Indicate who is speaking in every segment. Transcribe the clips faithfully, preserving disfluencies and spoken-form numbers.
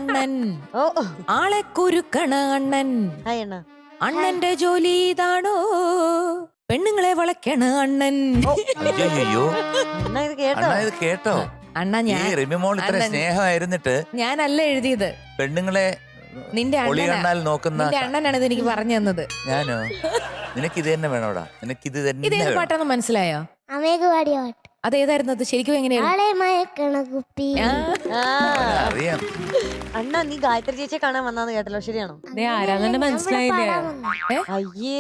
Speaker 1: അണ്ണൻ,
Speaker 2: ഓ
Speaker 1: ആളെ കുരുക്കണ അണ്ണൻ.
Speaker 2: ഹായ് അണ്ണ.
Speaker 1: അണ്ണന്റെ ജോലി ഇതാണോ, പെണ്ണുങ്ങളെ വളയ്ക്കണ അണ്ണൻ.
Speaker 3: അയ്യോ
Speaker 2: അണ്ണ ഇത് കേട്ടോ?
Speaker 3: അണ്ണാ ഇത് കേട്ടോ?
Speaker 1: അണ്ണ
Speaker 3: ഈ
Speaker 1: ഞാൻ
Speaker 3: റിമിമോൾ ഇത്ര
Speaker 1: അണ്ണൻ-
Speaker 3: സ്നേഹമായിരുന്നിട്ട്
Speaker 1: ഞാനല്ല എഴുതിയത്,
Speaker 3: പെണ്ണുങ്ങളെ
Speaker 1: നിന്റെ
Speaker 3: ഒളി
Speaker 1: അണ്ണനാ.
Speaker 3: കണ്ടാൽ നോക്കുന്ന
Speaker 1: നിന്റെ അണ്ണനാണ് ഇത് എനിക്ക് പറഞ്ഞു തന്നത്.
Speaker 3: ഞാനോ? നിനക്ക് ഇത് തന്നെ വേണോടാ, നിനക്ക് ഇത് തന്നെ
Speaker 1: ഇതേത്
Speaker 3: വേണം.
Speaker 1: പാട്ടാന്ന് മനസ്സിലായോ?
Speaker 4: അമ്മയ്ക്ക് പാടിയ പാട്ട്.
Speaker 1: അതേതായിരുന്നു അത് ശരിക്കും? എങ്ങനെയായിരുന്നു?
Speaker 4: ആളെ മയക്കണ കുപ്പി.
Speaker 1: ആ,
Speaker 2: ആ,
Speaker 3: അറിയാം.
Speaker 2: അണ്ണ നീ ഗായത്രി ചേച്ചിയെ കാണാൻ വന്നാന്ന് കേട്ടല്ലോ, ശരിയാണോ?
Speaker 5: ആരാന്നെ മനസ്സിലായില്ലേ?
Speaker 2: അയ്യേ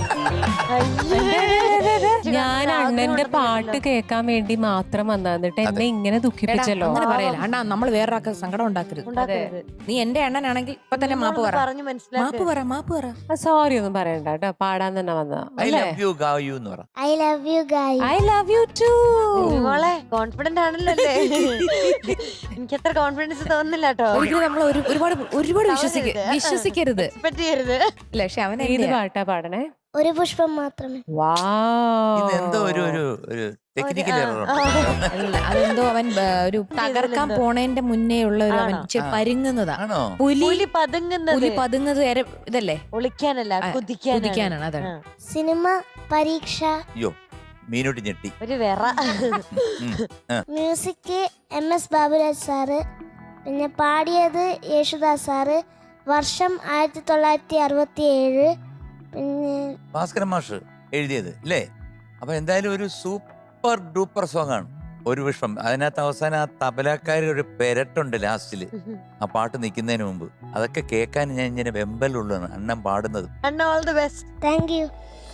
Speaker 5: ഞാൻ അണ്ണന്റെ പാട്ട് കേൾക്കാൻ വേണ്ടി മാത്രം വന്നിട്ട് എന്നെ ഇങ്ങനെ
Speaker 1: എടാ,
Speaker 5: ദുഃഖിപ്പിച്ചല്ലോ.
Speaker 1: അങ്ങനെ പറയല അണ്ണാ, നമ്മൾ വേറൊരാൾക്ക് സങ്കടം ഉണ്ടാക്കരുത്.
Speaker 2: ഉണ്ടാക്കരുത്.
Speaker 1: നീ എന്റെ അണ്ണനാണെങ്കിൽ ഇപ്പൊ തന്നെ മാപ്പ് പറ,
Speaker 2: പറഞ്ഞു മനസ്സിലാക്കി.
Speaker 1: മാപ്പ് പറ, മാപ്പ് പറ.
Speaker 5: സോറി ഒന്നും പറയണ്ട കേട്ടോ, പാടാൻ തന്നെ വന്നതാ.
Speaker 3: ഐ ലവ് യു ഗായു എന്ന് പറ.
Speaker 4: I love you guy.
Speaker 5: I love you too.
Speaker 2: മോളെ കോൺഫിഡന്റ് ആണല്ലോ അല്ലേ? എനിക്ക് അത്ര കോൺഫിഡൻസ് തോന്നുന്നില്ല കേട്ടോ.
Speaker 1: ഒരിക്കലും നമ്മൾ ഒരു- ഒരുപാട് ഒരുപാട് വിശ്വസിക്ക വിശ്വസിക്കരുത്.
Speaker 2: എക്സ്പെക്ട് ചെയ്യരുത്.
Speaker 1: ഇല്ല, പക്ഷെ അവൻ
Speaker 5: ഏത് പാട്ടാ പാടണേ?
Speaker 4: ഒരു പുഷ്പം മാത്രമേ.
Speaker 3: ഇത് എന്തോ
Speaker 5: വാ
Speaker 3: ഒരു ഒരു ഒരു ടെക്നിക്കൽ
Speaker 2: ആ,
Speaker 3: എറർ
Speaker 2: ആ.
Speaker 1: അല്ല, അതെന്തോ അവൻ ആ, ഒരു തകർക്കാൻ പോണേന്റെ മുന്നേ ഉള്ള ഒരു അവൻ
Speaker 2: ആണോ?
Speaker 1: ഇച്ചിരി
Speaker 3: ആ.
Speaker 1: പരുങ്ങുന്നതാ.
Speaker 3: ആണോ?
Speaker 1: പുലി
Speaker 2: പുലി പതുങ്ങുന്നത്
Speaker 1: പുലി പതുങ്ങുന്നത് വരെ ഇതല്ലേ,
Speaker 2: ഒളിക്കാനല്ല,
Speaker 1: ആ,
Speaker 2: കുതിക്കാനാണ്.
Speaker 1: കുതിക്കാനാണ്. അതാണ്.
Speaker 2: ആ.
Speaker 4: സിനിമ പരീക്ഷ.
Speaker 3: അയ്യോ മീനൂട്ടി ഞെട്ടി.
Speaker 2: ഒരു വെറ.
Speaker 3: ഉം. ആ.
Speaker 4: Music M S Baburaj sir. പിന്നെ പാടിയത് യേശുദാസ് സാറ്. വർഷം ആയിരത്തി തൊള്ളായിരത്തി അറുപത്തി ഏഴ്. പിന്നെ
Speaker 3: ഭാസ്കരൻ മാഷ് എഴുതിയത് അല്ലേ? അപ്പൊ എന്തായാലും ഒരു സൂപ്പർ ഡൂപ്പർ സോങ് ആണ് ഒരു വിഷം. അതിനകത്ത് അവസാനം ആ തബലക്കാരി ഒരു പെരട്ടുണ്ട് ലാസ്റ്റില്, ആ പാട്ട് നിൽക്കുന്നതിന് മുമ്പ്. അതൊക്കെ കേൾക്കാൻ ഞാൻ ഇങ്ങനെ വെമ്പലുള്ളതാണ് അണ്ണൻ പാടുന്നത്.
Speaker 2: അണ്ണ all the best.
Speaker 4: Thank you.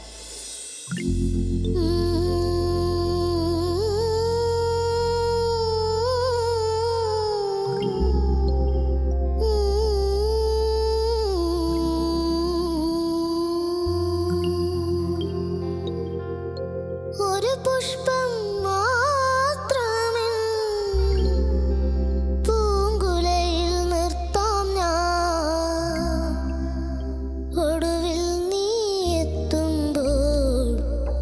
Speaker 4: ഒരു പുഷ്പം മാത്രമെൻ പൂങ്കുലയിൽ നിർത്താം ഞാൻ. ഒടുവിൽ നീ എത്തുമ്പോൾ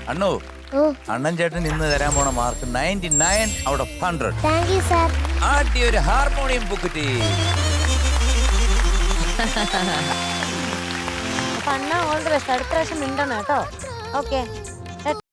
Speaker 3: അണ്ണു
Speaker 4: ഓ
Speaker 3: അണ്ണൻ ചേട്ടൻ ഇന്ന് തരാൻ പോണ mark ninety nine out of hundred.
Speaker 4: Thank you sir.
Speaker 3: ആദ്യ ഒരു ഹാർമോണിയം ബുക്കിറ്റി.
Speaker 2: അപ്പൊ അണ്ണ ഓൾ ദി ബെസ്റ്റ്. അടുത്ത പ്രാവശ്യം മിണ്ടണം കേട്ടോ. ഓക്കെ.